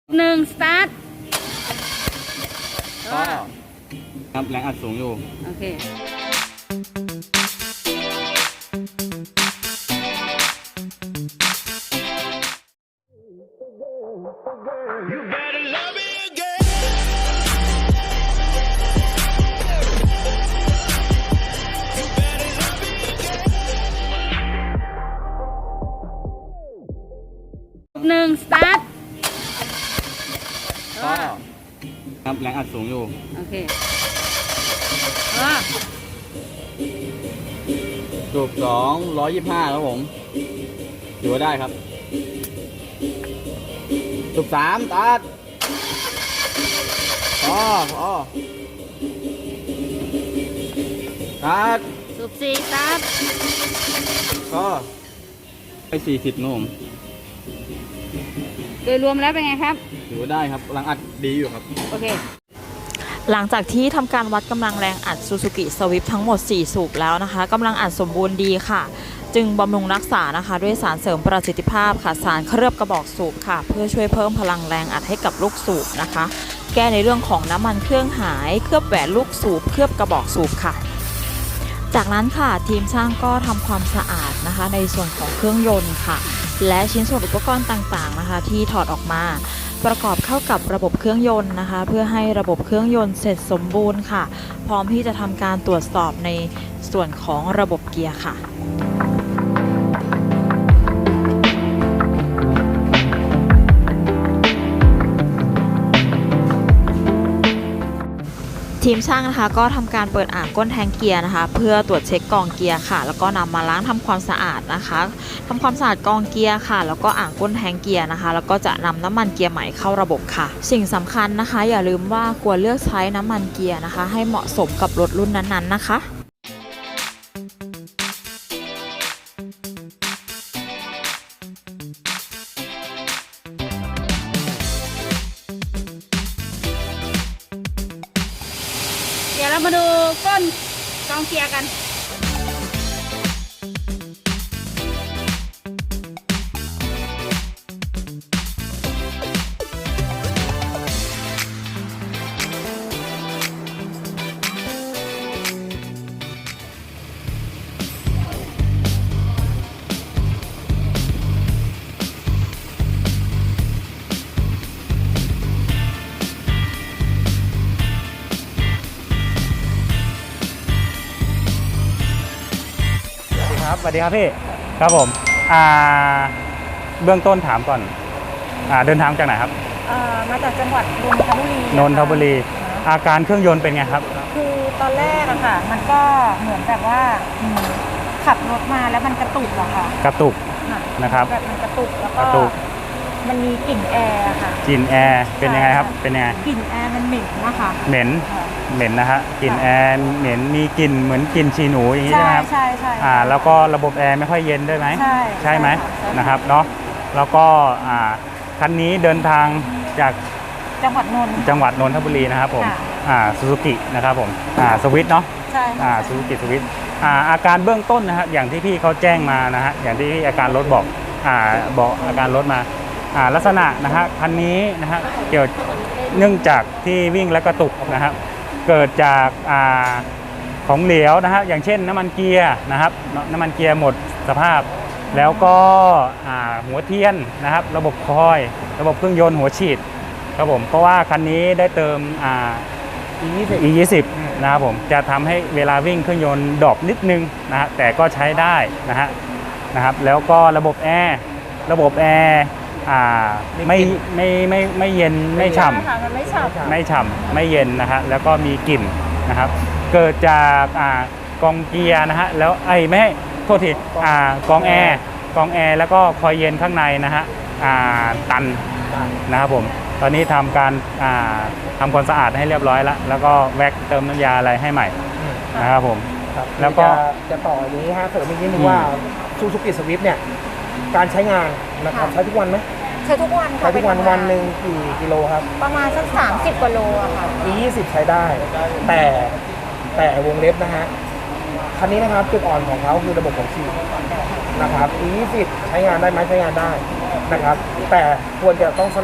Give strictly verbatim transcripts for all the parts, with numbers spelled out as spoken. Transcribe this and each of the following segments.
หนึ่งสตาร์ทก็ครับแรงอัดสูงอยู่โอเคหนึ่งสตาร์ทก็ครับแรงอัดสูงอยู่โอเคเออสูบสองร้อยยี่สิบห้าครับผมถือว่าได้ครับสูบสามตัดพอพอตัดสูบสี่สตาร์ทก็ไปสี่สิบนุ่มโดยรวมแล้วเป็นไงครับถือว่าได้ครับแรงอัดดีอยู่ครับโอเคหลังจากที่ทำการวัดกำลังแรงอัด Suzuki Swift ทั้งหมดสี่สูบแล้วนะคะกำลังอัดสมบูรณ์ดีค่ะจึงบำรุงรักษานะคะด้วยสารเสริมประสิทธิภาพค่ะสารเคลือบกระบอกสูบค่ะเพื่อช่วยเพิ่มพลังแรงอัดให้กับลูกสูบนะคะแก้ในเรื่องของน้ำมันเครื่องหายเคลือบแหวนลูกสูบเคลือบกระบอกสูบค่ะจากนั้นค่ะทีมช่างก็ทำความสะอาดนะคะในส่วนของเครื่องยนต์ค่ะและชิ้นส่วนอุปกรณ์ต่างๆนะคะที่ถอดออกมาประกอบเข้ากับระบบเครื่องยนต์นะคะเพื่อให้ระบบเครื่องยนต์เสร็จสมบูรณ์ค่ะพร้อมที่จะทำการตรวจสอบในส่วนของระบบเกียร์ค่ะทีมช่างนะคะก็ทำการเปิดอ่างก้นแทงเกียร์นะคะเพื่อตรวจเช็คกองเกียร์ค่ะแล้วก็นำมาล้างทำความสะอาดนะคะทำความสะอาดกองเกียร์ค่ะแล้วก็อ่างก้นแทงเกียร์นะคะแล้วก็จะนำน้ำมันเกียร์ใหม่เข้าระบบค่ะสิ่งสำคัญนะคะอย่าลืมว่าควรเลือกใช้น้ำมันเกียร์นะคะให้เหมาะสมกับรถรุ่นนั้นๆนะคะเดี๋ยวเรามาดูก้นกองเกียร์กันสวัสดีครับพี่ครับผมอ่าเบื้องต้นถามก่อนอ่าเดินทางจากไหนครับมาจากจังหวัดนนทบุรีนนทบุรีอาการเครื่องยนต์เป็นไงครับคือตอนแรกอะค่ะมันก็เหมือนแบบว่าขับรถมาแล้วมันกระตุกอะค่ะกระตุกนะครับแบบมันกระตุกแล้วก็มันมีกลิ่นแอร์ค่ะกลิ่นแอร์เป็นยังไงครับเป็นยังไงกลิ่นแอร์มันเหม็นนะคะเหม็นเหม็นนะฮะกลิ่นแอร์เหม็นมีกลิ่นเหมือนกลิ่นฉี่หนูอย่างนี้ใช่ไหมครับใช่ใช่อ่าแล้วก็ระบบแอร์ไม่ค่อยเย็นด้วยไหมใช่ใช่ไหมนะครับเนาะแล้วก็อ่าคันนี้เดินทางจากจังหวัดนนท์จังหวัดนนทบุรีนะครับผมอ่าซูซูกินะครับผมอ่าสวิตเนาะใช่อ่าซูซูกิสวิตอ่าอาการเบื้องต้นนะฮะอย่างที่พี่เขาแจ้งมานะฮะอย่างที่อาการรถบอกอ่าบอกอาการรถมาอ่าลักษณะนะฮะคันนี้นะฮะเกี่ยวเนื่องจากที่วิ่งและกระตุกนะครับเกิดจากอ่าของเหลวนะฮะอย่างเช่นน้ำมันเกียร์นะครับน้ำมันเกียร์หมดสภาพแล้วก็อ่าหัวเทียนนะครับระบบคอยระบบเครื่องยนต์หัวฉีดครับผมเพราะว่าคันนี้ได้เติมอ่า อี ยี่สิบ นะครับผมจะทำให้เวลาวิ่งเครื่องยนต์ดรอปนิดนึงนะฮะแต่ก็ใช้ได้นะฮะนะครับแล้วก็ระบบแอร์ระบบแอร์อ่าไม่ไม่ไม่ไม่เย็นไม่ฉ่ำไม่ฉ่ำไม่ฉ่ำไม่เย็นนะฮะแล้วก็มีกลิ่นนะครับเกิดจากอ่ากองเกียร์นะฮะแล้วไอ้ไม่ให้โทษทีอ่ากองแอร์กองแอร์แล้วก็คอยเย็นข้างในนะฮะอ่าตันนะครับผมตอนนี้ทำการอ่าทำความสะอาดให้เรียบร้อยแล้วแล้วก็แว็กเติมน้ำยาอะไรให้ใหม่นะครับผมแล้วก็จะต่ออย่างนี้ฮะเสริมอีกนิดนึงว่าซูซูกิสวิฟต์เนี่ยการใช้งานนะครับใช้ทุกวันไหมใช้ทุกวันใช้ทุกวันวันหนึ่งกี่กิโลครับประมาณสักสามสิบกว่าโลอะค่ะอี ยี่สิบ ใช้ได้แต่แต่วงเล็บนะฮะคันนี้นะครับจุดอ่อนของเขาคือระบบของฉีดนะครับ อี ยี่สิบ ใช้งานได้ไหมใช้งานได้นะครับแต่ควรจะต้องสลับ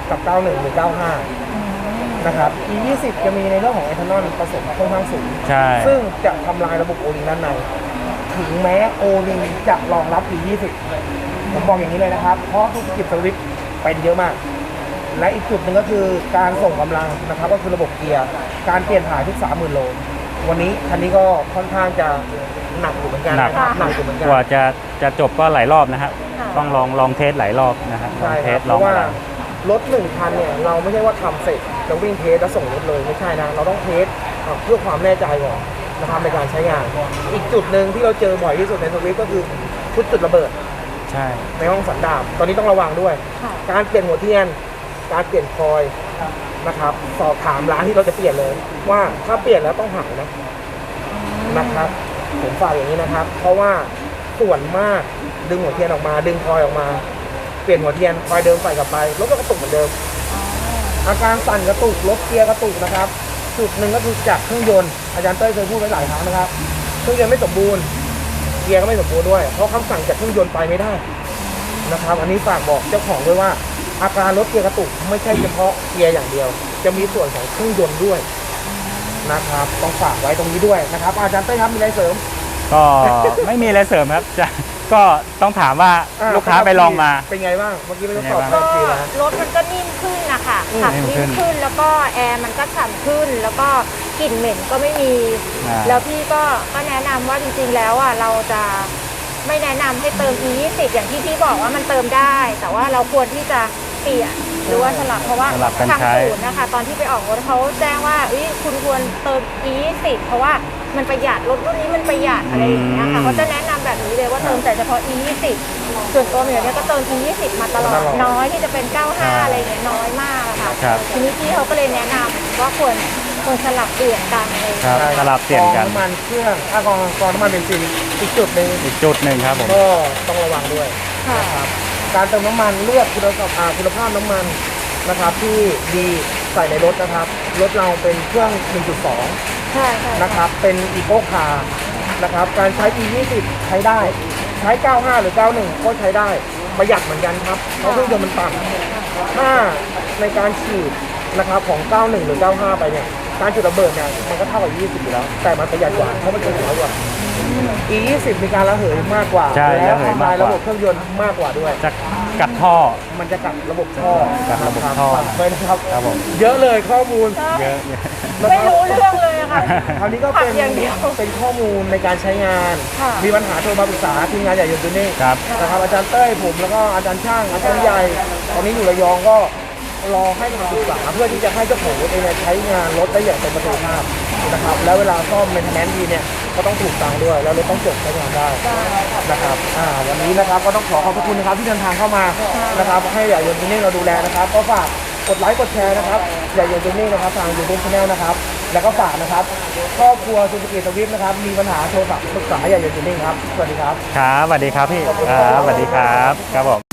กับ เก้าสิบเอ็ด หรือ เก้าสิบห้า นะครับ อี ยี่สิบ จะมีในเรื่องของเอทานอลผสมค่อนข้างสูงใช่ซึ่งจะทำลายระบบโอลิงด้านใน ถึงแม้โอลิงจะรองรับ อี ยี่สิบ ผมบอกอย่างนี้เลยนะครับ เพราะธุรกิจสวิฟต์เป็นเยอะมาก และอีกจุดหนึ่งก็คือการส่งกำลังนะครับ ก็คือระบบเกียร์ การเปลี่ยนถ่ายทุก สามหมื่น โล วันนี้คันนี้ก็ค่อนข้างจะหนักอยู่เหมือนกันหนักนะครับหนักอยู่เหมือนกันกว่าจะจะจบก็หลายรอบนะฮะต้องลองลองเทสหลายรอบนะฮะลอใช่งเทครัสบลเพองราะว่าอะไรรถหนึ่งคันเนี่ยเราไม่ใช่ว่าทำเสร็จแล้ววิ่งเทสแล้วส่งรถเลยไม่ใช่นะเราต้องเทสเพื่อความแน่ใจก่อนนะครับในการใช้งาน อีกจุดหนึ่งที่เราเจอบ่อยที่สุดในสวิฟก็คือชุดจุดระเบิดใช่ในห้องสันดาปตอนนี้ต้องระวังด้วย การเปลี่ยนหัวเทียน การเปลี่ยนคอยนะครับสอบถามร้านที่เราจะเปลี่ยนเลย ว่าถ้าเปลี่ยนแล้วต้องหายนะนะครับผมฝากอย่างนี้นะครับ เพราะว่าส่วนมากดึงหัวเทียนออกมา ดึงคอยออกมา เปลี่ยนหัวเทียนคอยเดิมใส่กลับไปรถก็กระตุกเหมือนเดิม อาการสั่นกระตุกรถเกียร์กระตุกนะครับ จุดหนึ่งก็คือจากเครื่องยนต์อาจารย์เต้ยเคยพูดไว้หลายครั้งนะครับเครื่องยนต์ไม่สมบูรณ์เกียร์ก็ไม่สมบูรณ์ด้วยเพราะคำสั่งจากเครื่องยนต์ไปไม่ได้นะครับ อันนี้ฝากบอกเจ้าของด้วยว่า อาการรถเกียร์กระตุกไม่ใช่เฉพาะเกียร์อย่างเดียว จะมีส่วนของเครื่องยนต์ด้วยนะครับต้องฝากไว้ตรงนี้ด้วยนะครับ อาจารย์เต้ยครับมีอะไรเสริมก็ ไม่มีอะไรเสริมครับจะก็ต้องถามว่าอ่ลูกค้าไปลองมาเป็นไงบ้างเมื่อกี้ไม่ต้องตอบเป็นไงไปบ้างก็ทีนะรถมันก็นิ่มขึ้นนะคะอืมขับนิ่มขึ้นิ่นมขึ้นแล้วก็แอร์มันก็ฉ่ำขึ้น แล้วก็กลิ่นเหม็นก็ไม่มีอ่าแล้วพี่ก็ก็แนะนำว่าจริงๆแล้วอ่ะเราจะไม่แนะนำให้เติม อี ยี่สิบ อย่างที่พี่บอกว่ามันเติมได้ แต่ว่าเราควรที่จะเปลี่ยนหรือว่าสลับเพราะว่าสลับกันทางใช้ศูนย์นะคะ ตอนที่ไปออกรถเขาแจ้งว่าเอ้ยคุณควรเติม อี ยี่สิบ เพราะว่ามันประหยัดรถรุ่นนี้มันประหยัดอะไรอย่างเงี้ยค่ะเขาจะแนะนำแบบนี้เลยว่าเติมแต่เฉพาะ อี ยี่สิบ ส่วนตัวเหมียวเนี่ยก็เติม อี ยี่สิบ มาตลอดน้อยที่จะเป็น เก้าสิบห้า อะไรอย่างเงี้ยน้อยมากอะค่ะครับทีนี้พี่เขาก็เลยแนะนำว่าควรควรสลับเปลี่ยนกันเลยครับสลับเปลี่ยนกันกองน้ำมันเครื่องอ่ะกองกองน้ำมันเบนซินอีกจุดหนึ่งอีกจุดหนึ่งครับผมก็ต้องระวังด้วยค่ะนะครับการเติมน้ำมันเลือกคุณภาพอ่าคุณภาพน้ำมันนะครับที่ดีใส่ในรถนะครับรถเราเป็นเครื่อง หนึ่งจุดสองใช่ใช่นะครับเป็นอีโคคาร์นะครับการใช้ อี ยี่สิบ ใช้ได้ใช้ เก้าสิบห้า หรือ เก้าสิบเอ็ด ก็ใช้ได้ประหยัดเหมือนกันครับเพราะเครื่องยนต์มันต่ำถ้าในการฉีดนะครับของ เก้าสิบเอ็ด หรือ เก้าสิบห้า ไปเนี่ยการจุดระเบิดเนี่ยมันก็เท่ากับ ยี่สิบ อยู่แล้ว แต่มันประหยัดกว่าเพราะมันจะน้อยกว่า อี ยี่สิบ มีการระเหยมากกว่าใช่และระเหยทำมาลาก ยกว่าระบบเครื่องยนต์มากกว่าด้วยจะกัดท่อมันจะกัดระบบท่อกัดระบบคท่อฝากไว้นะครับครับผมเยอะเลยข้อมูลเยอะไม่รู้เรื่องเลยอะค่ะคราวนี้ก็ขัเป็บนอย่างเดียวเป็นข้อมูลในการใช้งานค่ะมีปัญหาโทรมาปรึกษาทีมงานใหญ่ยนต์ตัวนี้ครับนะครับอาจารย์เต้ยผมแล้วก็อาจารย์ช่างอาจารย์ใหญ่ตอนนี้อยู่ระยองก็รอให้คำปรึกษาเพื่อที่จะให้เจ้าของรถเองเนี่ยใช้งานรถได้อย่างเต็มประสิทธิภาพนะครับแล้วเวลาซ่อมเมนเทนแนนซ์ดีเนี่ยก็ต้องถูกตังค์ด้วยแล้วรถต้องจบใช้งานได้นะครับอ่าวันนี้นะครับก็ต้องขอขอบพระคุณนะครับที่เดินทางเข้ามานะครับให้ใหญ่ยนต์ตัวนี้เราดูแลนะครับก็ฝากกดไลค์กดแชร์นะครับใหญ่ยนต์ตัวนี้นะครับทาง YouTube Channel นะครับแล้วก็ฝากนะครับครอบครัวซูซูกิสวิฟนะครับมีปัญหาโทรศัพท์ปรึกษาใหญ่ยนต์ตัวนี้ครับสวัสดีครับครับสวัสดีครับพี่ครับสวัสดีครับครับผม